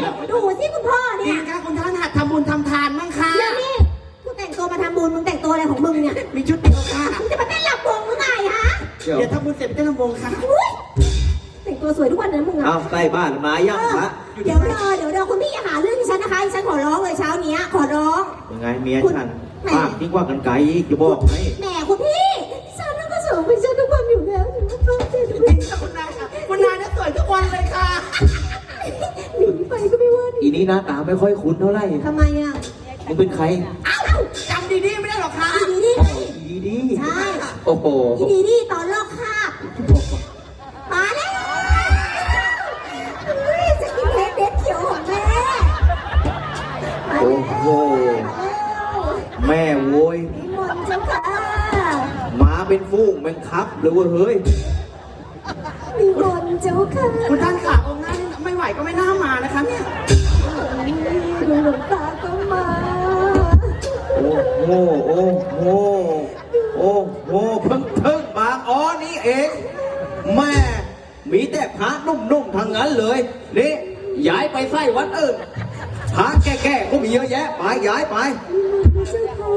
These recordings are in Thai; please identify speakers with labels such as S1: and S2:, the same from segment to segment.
S1: แล้ว
S2: ดูสิคุณพ่อ
S3: จริ
S2: เนี่
S3: ง
S2: ย
S3: ค่ะคุณท่านหัดทำบุญทำทานมั้งค่ะ
S2: แล้วนี่กูแต่งตัวมาทำบุญมึงแต่งตัวอะไรของมึงเนี่ย
S3: มีชุดเดียวค่ะ
S2: มึงจะมาเต้นลำวงหรือไงฮะ
S3: เดี๋ยวทำบุญเสร็จไปเต้นลำวงค่ะ
S2: อุ๊ยแต่งตัวสวยทุกวันนะมึงอะ
S1: เอาใกล้บ้านมายังพระ
S2: เดี๋ยวรอคุณพี่อย่าหาเรื่องดิฉันนะคะดิฉันขอร้องเลยเช้านี้ขอร้อง
S1: ยังไงเมียฉันปากยิ่งกว่ากันไกลอีกจะบอกให้
S2: แหมคุณพี่ดิฉันนั่นก็สวยเป็นฉันทุกวันอยู่แล้วถึงจะต้องเจอทุก
S3: จ
S2: วั
S3: ริ
S2: น
S3: งค่ะคุณนายค่ะคุณนายน่ะสวยทุกวันเลยค่ะ
S2: หนีไปก็ไม่ว่า
S1: อีนี้หน้าตาไม่ค่อยคุ้นเท่าไหร่
S2: ทำไมอ่ะ
S1: มึงเป็นใคร
S2: เอ้า
S3: จำดีๆไม่ได้หรอกค่ะ
S2: ดีดี
S1: อีดี
S2: ใช่
S1: โอ้โห
S2: ดีดีตอนลอกคราบมาแล้วเฮ้ยจะกินเด็ดเขียวของแม่มา
S1: โอ้
S2: แล้ว
S1: โหแม่โว้ย
S2: นิมนต์เจ้าค่ะ
S1: มาเป็นฟูงแมงครับหรือว่าเฮ้ย
S2: นิมนต์เจ้าค่ะ
S3: คุณท่านค่ะองค์หน้านี่ไม่ไหวก็ไม่น่ามานะคะเนี่ย
S2: หลวงตาก็มา
S1: โอ้โหโอ้โหโอ้โหเพิ่งมาอ๋อนี่เองแม่มีแต่พระนุ่มๆทางนั้นเลยนี่ย้ายไปไส้วัดอื่นพระแก่ๆก็มีเยอะแยะไปย้ายไป
S2: เจ้าค่ะ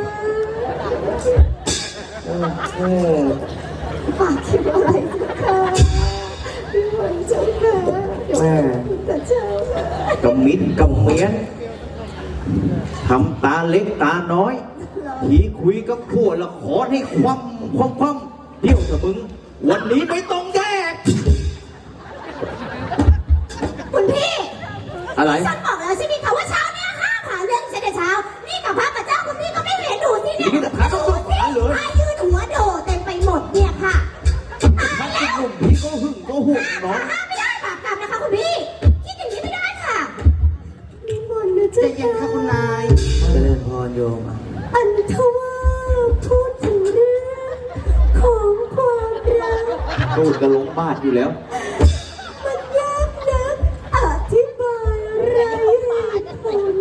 S1: โอ้โห
S2: ฝากคิดอะไรเจ้าค่ะนิมนต์เจ้าค่ะ
S1: แม่
S2: แต่เจ้าค่ะ
S1: กำมิดกำเมียนทำตาเล็กตาน้อยทีคุยกับผัวละขอให้คว่ำเดี๋ยวเถอะมึง วันนี้ไม่ต้องแยก
S2: คุณพี่
S1: อะไร
S2: ฉันบอกแล้วใช่ไหมคะว่าเช้าเนี่ยห้ามหาเรื่องฉันแต่เช้า นี่กับพระกับเจ้าคุณพี่ก็ไม่เห็นดูสิเนี่ย
S1: นี่แต่พระก็ต้องหาเลย
S2: พระยืนหัวโดดเต็มไปหมดเนี่ยค่ะตาย
S1: ถ้า
S2: แล้ว
S1: หนุ่มพี่ก็หึงก็ห่วงน้อง
S2: ห้ามไม่ได้บาปกรรมนะคะคุณพี่ คิดอย่างนี้ไม่ได้ค่ะนิมนต์นะ
S3: ใจ
S2: เจ้า
S3: เย็นค่ะคุณนาย
S1: เจริญพรโยม
S2: อันทว่าพูดถึงเรื่องของความรัก
S1: ตูดกระลงบาดอยู่แล้ว
S2: มันยากนักอธิบายไรเหตุผล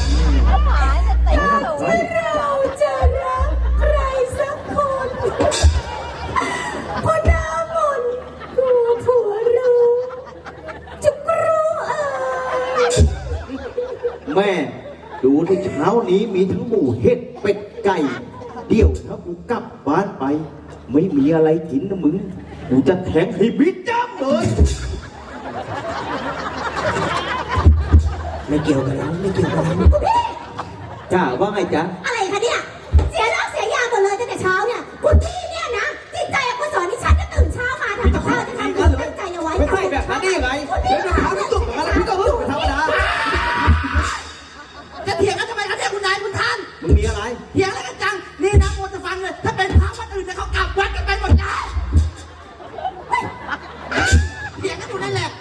S2: การที่เราจะรักใครสักคนพอหน้ามนต์กลัวผัวรู้จะกรู้
S1: แม่ดูที่เช้านี้มีทั้งหมูเห็ดเป็ดไก่ เดี๋ยวถ้ากูกลับบ้านไป ไม่มีอะไรกินนะมึง กูจะแทงให้บิดจ้ำเลย
S3: ไม่เกี่ยวกับเราไม่เกี่ยวกับเรา
S2: คุณพี่
S1: จ้าว่าไงจ๊ะ
S2: อะไรคะเนี่ย เสียรักเสียยาหมดเลยตั้งแต่เช้าเนี่ยคุณพี่เนี่ยนะจิตใจอกุศลที่ฉันจะตื่นเช้ามาทำกับข้าวจะทำคุณตั้งใจเอาไว้
S1: ไม่ใช่แบบนั้นได้ยังไง
S2: คุณ
S1: เดี๋
S2: พี่
S1: ยวจะถามพี่ตุ่มกันแล้วพี่ก็หึงเป็นธรรมดา
S3: จะเถียงกันทำไมคะเนี่ยคุณนายคุณท่าน
S1: มึงมีอะไร
S3: เถียงอะไรกันจังนี่นะโมจะฟังเลยถ้าเป็นพระวัดอื่นเนี่ยเขากลับวัดกันไปหมดแล้วเถียงกันอยู่นั่นแหละ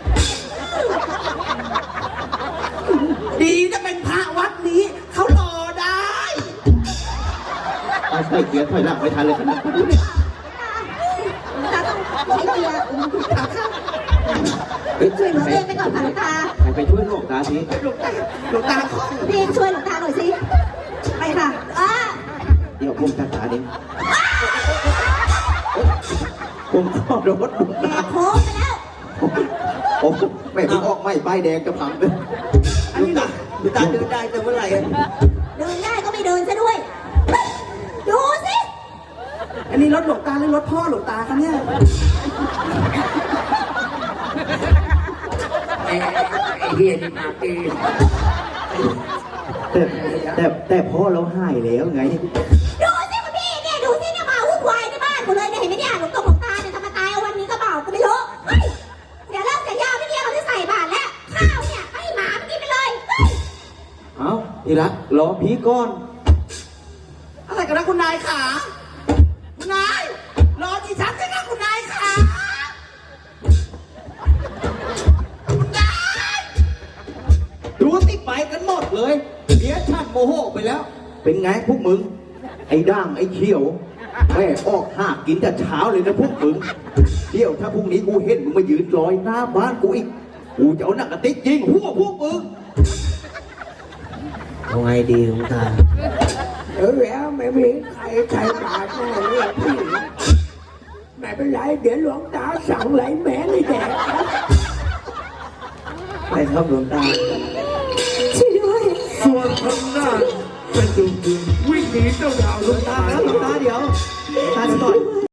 S3: ดีนะเป็นพระวัดนี้เขารอได้
S1: ไอ้เกียร์ถอยหลังไม่ทันเลยขนาดนี้
S2: ตาต้องใช้เกียร์
S1: เฮ้ย
S2: ช่วยเหลือเองไปก่อนค่ะหลวงตา
S1: ใครไปช่วยหลวงตาที
S3: หลวงตาขอ
S2: พี่ช่วยหลวงตาหน่อยสิ ไปค่ะ
S1: เดี๋ยวผมจัดการเองผมขอรถหลวง
S2: แห
S1: ตา
S2: กโค้งไปแล้ว
S1: โอ้แม่ผมออกไม่ป้ายแดงจะพังเลย
S3: อันนี้นะหลวงตาเดินได้แต่เมื่อไหร่
S2: เดินได้ก็ไม่เดินซะด้วย ดูสิ
S3: อันนี้รถหลวงตาหรือรถพ่อหลวงตาคะเนี่ยไอ้เฮียนี่มาตี
S1: แต่พ่อเราหายแล้วไง
S2: ดูสิคุณพี่เนี่ยดูสิเนี่ยมาวุ่นวายในบ้านหมดเลยเนี่ยเห็นไหมเนี่ยหลวงตาเนี่ยทำมาตายเอาวันนี้ก็เปล่าก็ไม่รู้เฮ้ยเสียเลิกเสียยาไม่เนี่ยเขาจะใส่บาตรแล้วข้าวเนี่ยให้หมามันกินไปเลยเฮ้ย
S1: เอาทีรักรอพี่ก่อน
S3: อะไรกันนะคุณนายขาคุณนายรอดิฉันด้วยนะคุณนายขาคุณนาย
S1: ดูสิไปกันหมดเลยเดี๋ยวชัดโมโหไปแล้ว เป็นไงพวกมึง ไอ้ด่างไอ้เขียวแม่ออกหากินแต่เช้าเลยนะพวกมึงเดี๋ยวถ้าพรุ่งนี้กูเห็นมึงมายืนลอยหน้าบ้านกูอีกกูจะเอาหนักกระติกยิงหัวพวกมึง
S4: เอาไงดีหลวงตา
S5: แล้วไม่มีใครใช้บาทแน่เลยพี่ไม่เป็นไรเดี๋ยวหลวงตาสั่งไหลแม่เลยแดกไปครับหลวงตา
S2: ช่วยด้วย
S4: ส่วนทางด้านเป็นจุดวิ่งหนีเจ้าดาว
S1: หลวงตาแล้วหลวงตาเดี๋ยวหลวงตาเดี๋ยวก่อน